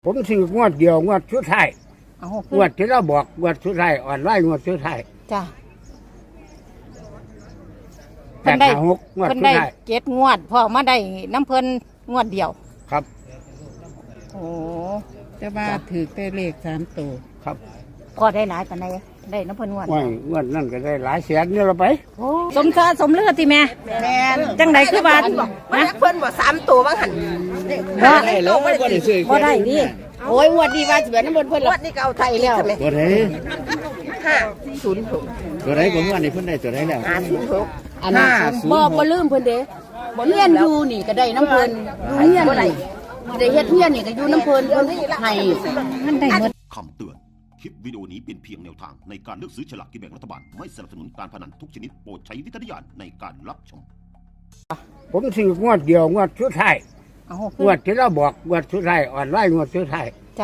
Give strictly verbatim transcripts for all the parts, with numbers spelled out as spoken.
ผมซื้องวดเดียวงวดสุดท้ายเอางวดที่เราบอกงวดสุดท้ายอ่อนไหวงวดสุดท้ายจ้ะแปเพิ่ดนได้ห้าหกงวดเพิ่นสุดได้ท้ายเจ็ดงวดพอมาได้น้ำเพิ่นงวดเดียวครับโอ้แต่ว่าถือแต่เลขสามตัวครับพอได้หลายปานใดได้น้ำเพิ่นงวดว่างวดนั่นก็ได้หลายแสนนี่เราไปโอ้สมซาสมเลือดติแม่แม่นจังไดคือบ้านมันเพิ่นบ่สามตัวบ้างหันบ่ได้แล้วบ่ได้ซื้อบ่ได้ดิโอ้ยงวดนี้ว่าสิเป็นน้ำเพิ่นเพิ่นวัดนี่ก็เอาไทยแล้วตัวไหนห้าศูนย์หกตัวไหนผมว่านี่เพิ่นได้ตัวไหนแล้วห้าศูนย์หกอันนั้นศูนบ่ย์หบ่กลืมเพิ่นเด้บ่เฮียนอยู่นี่ก็ได้น้ำเพิ่นอยู่เฮียนนี่ได้เฮ็ดเฮียนนี่ก็อยู่น้ำเพิ่นเพิ่นให้มันได้หมดคำเตือน คลิปวิดีโอนี้เป็นเพียงแนวทางในการเลือกซื้อฉลากกินแบ่งรัฐบาล ไม่สนับสนุนการพนันทุกชนิดโปรดใช้วิจารณญาณในการรับชมผมซื้องวดเดียวงวดสุดท้ายเอางวดที่เราบอกงวดสุดท้ายอ่อนไหวงวดสุดท้ายจ้ะ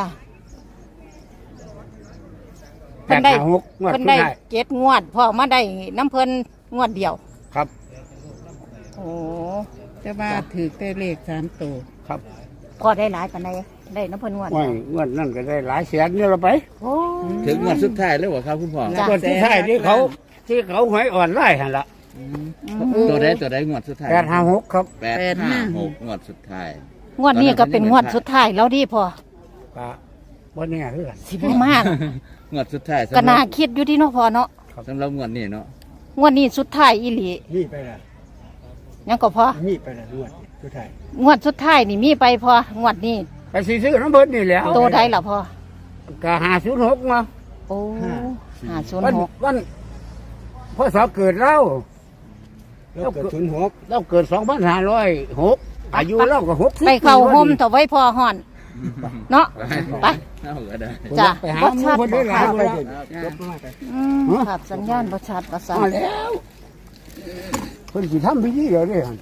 แปเพิ่นดได้ห้าหกงวดเพิ่นสุดได้ท้ายเจ็ดงวดพอมาได้น้ำเพิ่นงวดเดียวครับโอ้แต่ว่าถือแต่เลขสามตัวครับพอได้หลายปานใดได้น้ำเพิ่นงวดว่างงวดนั่นก็ได้หลายแสนนี่เราไปโอ้ถึงงวดสุดท้ายแล้วบ่ครับคุณพ่อจ้ะงวดสุดท้ายที่เขาที่เขาหวยอ่อนไหวหันละตัวใดตัวใดงวดสุดท้ายแปดห้าหกครับแปดห้าหกงวดสุดท้ายงวดนี้ก็เป็นงวดสุดท้ายแล้วดิพอก็บ่แน่คือกันสิบ่มากงวดสุดท้ายก็สำหน่ารับคิดอยู่ที่เนาะพอเนาะสำหรับงวดนี้เนาะงวดนี้สุดท้ายอีหลีมีไปละยังก็พอมีไปละงวดสุดท้ายงวดสุดท้ายนี่มีไปพองวดนี้ไปสิซื้อน้ำเพิ่นนี่แหล้วโตได้ล่ะพอก็หาศูนย์หกมาโอ้ห้าศูนวันย์หกวันพศเกิดเราเราเกิดศูนย์หกเราเกิดสองพันห้าร้อยหกอายุเราก็หกสิบไปเข้าห่มต่อไว้พอห่อน เนาะไปเอาก็ได้จ้ะไปหาบ่หชัมู่ดคนได้หลายคนอืมขับสัญญาณประชัดประสามาแล้วคนสิทำพิธีเดี๋ยวนี้หั่น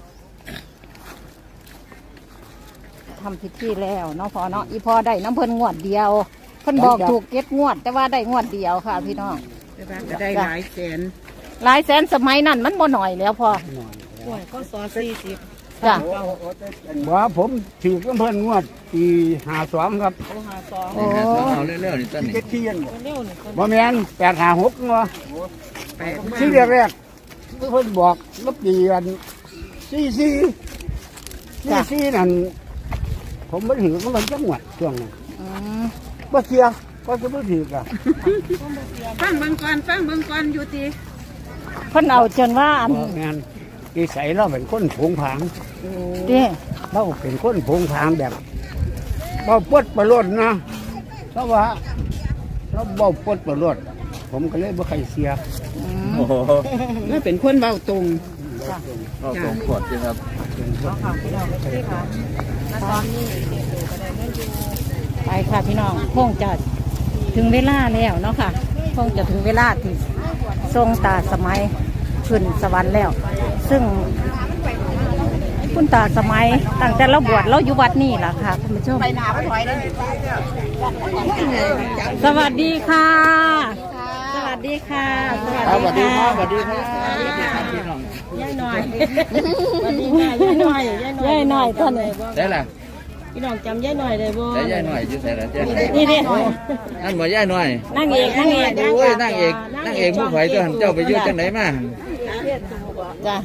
ทำพิธีแล้วเนาะพอเนาะอีพอได้น้ำเพิ่นงวดเดียวเพิ่นบอกถูกเก็ดงวด แต่ว่าได้งวดเดียวค่ะพี่น้องแต่ว่าก็ได้หลายแสนหลายแสนสมัยนั้นมันบ่หน่อยแล้วพอโอ้ยก็สอสี่สิบจ้ะว่าผมถือกับเพิ่นงวดปีห้าสองครับโอ้เอาเร็วๆนี่ต้นนี่เจ็ดเทียนบ่แม่นแปดห้าหกเนาะที่แรกๆเพิ่นบอกลบปีอันสี่สี่สี่สี่นั่นผมไม่ถือก็มันจังหวัดช่วงนั้นอืมบ่เชียก็จะบ่ถือกันฟังเบิ่งก่อนฟังเบิ่งก่อนอยู่ตีเพิ่นเอาจนว่าอันบ่แม่นนิสัยเราเป็นคนผงผางเด้เราเป็นคนผงผางแบบเบาปวดประโลดนะเพราะว่าเราเบาปวดประโลดผมก็เลยบ่ใครเสียโอ้โหนี่เป็นคนเบาตรงก็สองขวดใช่ครับไปค่ะพี่น้องคงจะถึงเวลาแล้วเนาะค่ะคงจะถึงเวลาที่ทรงตาสมัยขึ้นสวรรค์แล้ว ซึ่งคุณตาสมัยตั้งแต่เราบวชเราอยู่วัดนี่แหละค่ะคุณผู้ชมไปหน้าไปถอยได้สวัสดีค่ะ สวัสดีค่ะสวัสดีครับสวัสดีครับสวัสดีครับพี่น้องย่ายหน่อยสวัสดีค่ะย่ายหน่อยย่ายหน่อยท่านเลยได้ล่ะพี่น้องจำย่ายหน่อยได้บ่ได้ย่ายหน่อยอยู่ใส่ละเจ้นี่นี่นั่นบ่ย่ายหน่อยนั่งเอกนั่งเอกโอ้ยนั่งเอกนั่งเอกผู้ข่อยตัวหันเจ้าไปอยู่จังไหนมาจ้ะ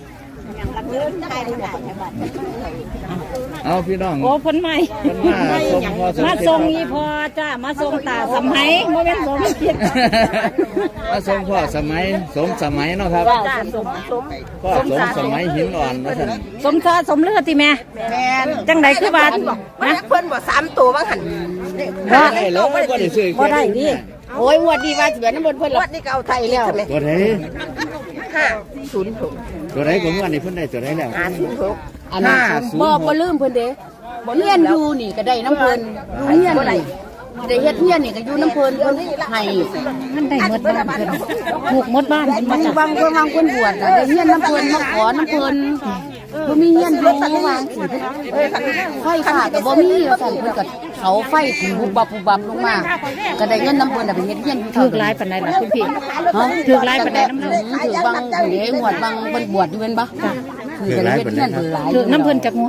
เอาพี่น้องโอ้พ้นใหม่เพิ่นมาส่งพอสมมาคิดส่งอีพอจ้ามาส่งตาสมัยโมเป็นสมคิดมาส่งพ่อสมัยสมสมัยเนาะครับจ้าสมสมพ่อสมสมัยหินอ่อนว่าท่านสมซาสมเลือดติแม่แม่นจังไดคือบ้านมันเพิ่นบ่สามตัวบ้างหันได้แล้วบ่ได้ซื้อบ่ได้ดิโอ้ยงวดนี้ว่าสิเป็นน้ำเพิ่นเพิ่นวัดนี่ก็เอาไทยแล้วตัวไหนห้าศูนย์หกตัวไหนผมว่านี่เพิ่นได้ตัวไหนแล้วห้าศูนย์หกอันนั้นศูนบ่ย์หบ่กลืมเพิ่นเด้บ่เฮียนอยู่นี่ก็ได้น้ำเพิ่นอยู่เฮียนนี่ได้เฮ็ดเฮียนนี่ก็อยู่น้ำเพิ่นเพิ่นให้มันได้หมดบ้านเพิ่นถูกหมดบ้านเพิ่นมัมาน จากบางคนบางคนบวชน่ะได้เฮียนน้ำเพิ่นมาขอน้ำเพิ่นบ่มีเฮียนอยู่วางสิไฟฟ้าก็บ่มีว่าซั่นเพิ่นก็เขาไฟถึงบุบบับบุบบับลงมาก็ได้เงินน้ำเพิ่นน่ะไปเฮ็ดเฮียนอยู่ถูกหลายปานใดล่ะคุณพี่ฮะถูกหลายปานใดน้ำเพิ่นถือบางเด้งวดบางเพิ่นบวชอยู่แม่นบ่คือก็ได้เฮ็ดเฮียนเพิ่นหลายถูกน้ำเพิ่นจากงวด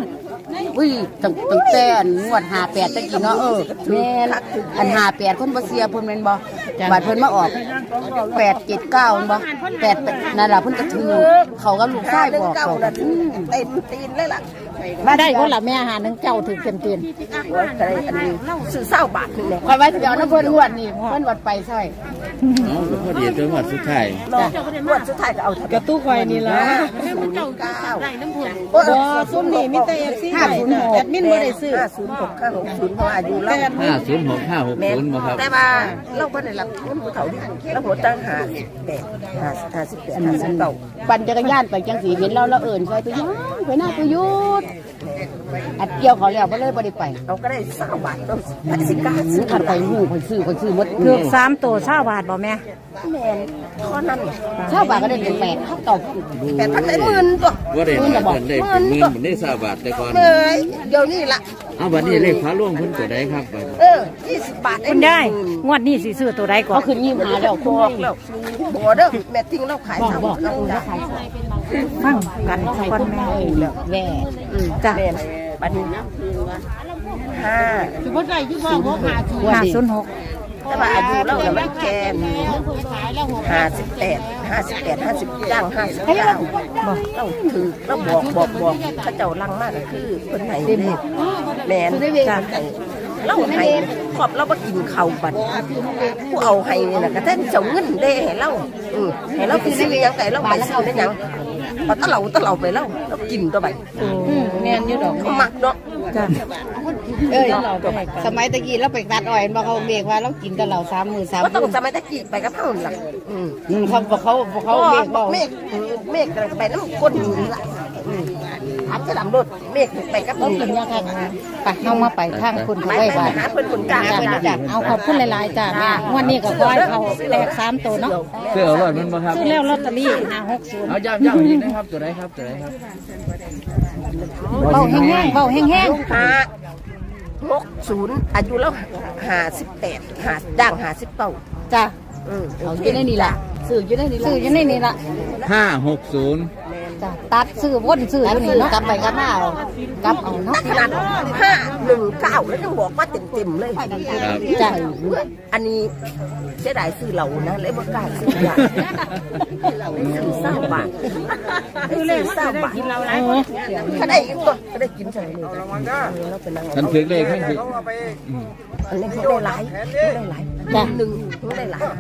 อุ้ยตั้งตั้งแต่อันงวดห้าแปดตะกี้เนาะเออแม่นอันห้าแปดคนบ่เสียเพิ่นแม่นบ่บาดเพิ่นมาออกแปดเจ็ดเก้าแม่นบ่แปดนั่นล่ะเพิ่นก็ถือเขากับลูกชายบอกเขาเต็มตีนเลยล่ะมาได้คนละแม่อาหารนึงเจ้าถือเต็มเต็มว่าอะไรอันนี้ซื้อเศร้าบาทนี่แหละคอยไว้สิเอาน้ำเพิ่นงวดนี่เพิ่นวัดไปใช่เอาพอดีตัวหมดสุดท้ายงวดสุดท้ายก็เอากระตู้ไฟนี่ละศูนย์เก้าบ่ซุ่มนี่มีแต่ เอฟ ซีห้าศูนย์หกแอดมินบ่ได้ซื้อห้าศูนย์หกห้าหกศูนย์เพราะอายุเราห้าศูนย์หกห้าหกศูนย์บ่ครับแต่ว่าเราบ่ได้รับเงินผู้เฒ่าที่เราหัวตั้งหาแปดห้าห้าสิบแปดห้าสิบเก้าปั่นจักรยานไปจังสีเห็นเราเราเอิ่นใส่ตัวยุดไปหน้าตัวยุดอัดเกี่ยวเขาแล้วก็เลยบ่ได้ไปเราก็ได้เศร้าบาทต้องสิกาซื้อขันไปหูคนซื้อคนซื้อหมดๆถือสามตัวเช้าบาทบ่แม่แม่นข้อนั้นเช่าบาทก็ได้เป็นแปดเท่าเก่าแปดพันได้หมื่นตัวว่าได้มาเพิ่นได้เป็นหมื่นเหมือนได้สาบาทแต่ก่อนเลยเดี๋ยวนี้ละเอาบัดนี้เลขพระร่วงเพิ่นตัวใดครับบัดเออยี่สิบบาทคุณได้งวดนี้สิซื้อตัวใดก่อนเขาขึ้นยี่สิบห้าแล้วบอกแล้วบอกเด้อแม่ทิ้งเราขายสามบอกเราขายฟังกันก่อนแม่แล้วแม่จ้ะแม่บัดนี้ห้าห้าศูนย์หกแต่ว่าอายุเราเราไม่แก่ห้าสิบแปดห้าสิบแปดห้าสิบย่างห้าสิบเก้าบอกเราถือเราบอกบอกบอกข้าเจ้าลังมากก็คือคนไหนเด็กแม่นจ้ะเราให้ขอบเราบ่กินข้าวบัดผู้เอาให้นี่น่ะก็แท้เจ้าเงินเด้ให้เราอือให้เราไปซื้อหยังไก่เราไปซื้อได้หยังพอตะเหลาตะเหลาไปแล้วเรากินตัวไปแม่นอยู่ดอกเขามักเนาะจ้ะเอ้ยสมัยตะกี้เราไปตัดอ้อยบ่เขาเรียกว่าเรากินตะเหลาสามมื้อสามมื้อบ่ต้องสมัยตะกี้ไปกับเฮาล่ะอืมอืมเขาเขาเขาเมฆบ่เมฆเมฆไปน้ำก้นนี่ล่ะอืมอาจจะดำรถเมฆไปกับนี่กินยาค่ะไปเฮามาไปทางคุณเขาไว้บาทหาเพิ่นคนกลางเพิ่นจ้ะเอาขอบคุณหลายๆจ้ะแม่งวดนี้ก็ขอให้เขาแตกสามตัวเนาะเสื้อเอารอดมันบ่ครับซื้อแล้วลอตเตอรี่ห้าหกศูนย์เอาย้ำย้ำอีกนะครับตัวใดครับตัวใดครับเบาแห้งๆเบาแห้งห้าหกศูนย์อายุแล้วห้าสิบแปดหาด่างห้าสิบเก้าๆจ้ะอืมเอาอยู่ในนี่ล่ะซื้ออยู่ในนี่ล่ะซื้ออยู่ในนี่ละห้าหกศูนย์จ้ะตัดซื้อวนซื้ออยู่นี่เนาะกลับไปกลับมาเอากลับเอาเนาะขนาดห้าหนึ่งเก้าแล้วยังบอกว่าเต็มเต็มๆเลยครับจ้ะอันนี้เสียดายซื้อเหล่านะเลยบ่กล้าซื้ออย่างซื้อเศร้าบาทซื้อเศร้าบาทถ้าได้อีกตัวก็ได้กินใช่เลยเราเป็นนางท่านถือเลขให้ถืออันนี้เขาได้หลายได้หลายหนึ่งเขาได้หลาย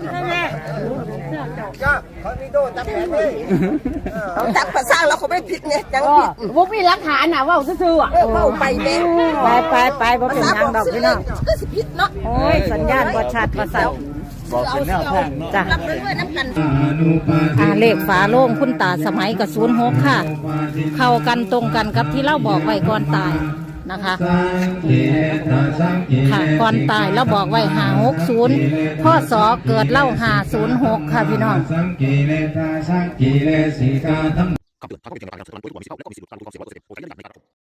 เอาจับภาษาเราเขาไม่ผิดไงจังผิดบ่มีหลักฐานน่ะว่าซื่อๆอ่ะเออเข้าไปแม่ไปไปไปบ่เป็นหยังดอกพี่น้องก็สิผิดเนาะโอ้ยสัญญาณบ่ชัดบ่สัตว์บอกเป็นแนวทางเนาะจ้ะรับด้วยน้ำกันอ่าเลขฝาโล่งคุณตาสมัยกับศูนย์หกค่ะ เข้ากันตรงกันกับที่เราบอกไว้ก่อนตายนะคะค่ะก่อนตายเราบอกไว้ห้าหกศูนย์พ่อสอเกิดเล่าห้าศูนย์หกค่ะพี่น้องคำเตือนทางข้อมูลเป็นเพียงแนวทางในการเสนอความคิดความเห็นและก็มีสิทธิ์หลุดการรู้ความเสี่ยงร้อยเปอร์เซ็นต์โปรดใช้วิจารณญาณในการรับชม